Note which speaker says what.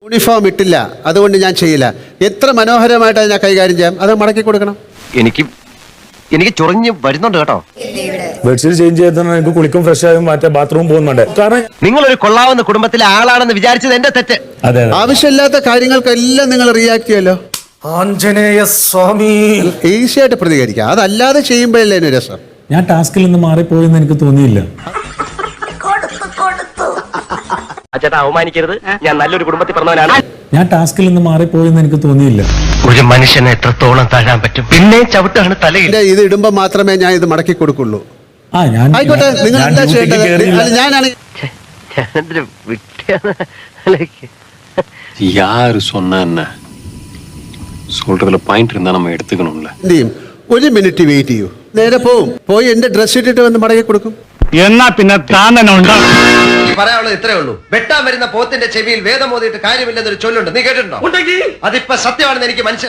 Speaker 1: Uniform ഇട്ടില്ല, അതുകൊണ്ട് ഞാൻ ചെയ്യില്ല. എത്ര മനോഹരമായിട്ട് അതിനെ കൈകാര്യം ചെയ്യാം, അത് മടക്കി കൊടുക്കണം.
Speaker 2: എനിക്ക് ചൊറിഞ്ഞ് വരുന്നുണ്ട് കേട്ടോ.
Speaker 3: ബെഡ്ഷീറ്റ് ചേഞ്ച് ചെയ്താൽ എനിക്ക് കുളിക്കും, ഫ്രഷ് ആയും മറ്റേ ബാത്റൂം പോകുന്നുണ്ട്. കാരണം
Speaker 2: നിങ്ങളൊരു കൊള്ളാവുന്ന കുടുംബത്തിലെ ആളാണെന്ന് വിചാരിച്ചത് എന്റെ തെറ്റ്.
Speaker 3: അതെ
Speaker 1: ആവശ്യമില്ലാത്ത കാര്യങ്ങൾക്കെല്ലാം നിങ്ങൾ റിയാക്ട് ചെയ്യുമല്ലോ.
Speaker 3: ആഞ്ജനേയ സ്വാമി
Speaker 1: ഈസിയായിട്ട് പ്രതികരിക്കുക, അതല്ലാതെ ചെയ്യുമ്പോഴല്ലേ അതിന് രസം.
Speaker 3: ഞാൻ ടാസ്കിൽ നിന്ന് മാറിപ്പോയെന്ന് എനിക്ക് തോന്നിയില്ല.
Speaker 2: ചേട്ടാ അവമാനിക്കരുത്, ഞാൻ നല്ലൊരു കുടുംബത്തിൽ പറഞ്ഞവനാണ്.
Speaker 3: ഞാൻ ടാസ്കിൽ നിന്ന് മാറിപ്പോയെന്ന് എനിക്ക് തോന്നിയില്ല.
Speaker 2: ഒരു മനുഷ്യനെ എത്രത്തോളം താഴാൻ പറ്റും, പിന്നെ ചവിട്ടാണ് തലയിൽ.
Speaker 1: ഇത് ഇടുമ്പോ മാത്രമേ ഞാൻ ഇത് മടക്കി കൊടുക്കുള്ളൂ.
Speaker 3: ഞാൻ
Speaker 1: ആയിക്കോട്ടെ, നിങ്ങൾ എന്താ ചെയ്യേണ്ടത്? ഞാനാണ്
Speaker 4: யாரு சொன்னா என்ன சொல்றதுல பாயிண்ட் இருந்தா நம்ம எடுத்துக்கணும்ல.
Speaker 1: എന്ത് ചെയ്യും? 1 മിനിറ്റ് വെയിറ്റ് ചെയ്യൂ, നേരെ പോയി എന്റെ ഡ്രസ് ഇട്ടിട്ട് വന്ന് മടക്കി കൊടുക്കും.
Speaker 5: എന്നാ പിന്നെ താൻ തന്നെ ഉണ്ടാവും.
Speaker 2: പറയാനുള്ളത് ഇത്രേ ഉള്ളൂ. വെട്ടാൻ വരുന്ന പോത്തിന്റെ ചെവിയിൽ വേദം ഓതിയിട്ട് കാര്യമില്ലെന്നൊരു ചൊല്ലുണ്ട്, നീ കേട്ടിട്ടുണ്ടോ? അതിപ്പോ സത്യമാണെന്ന് എനിക്ക് മനസ്സിലായി.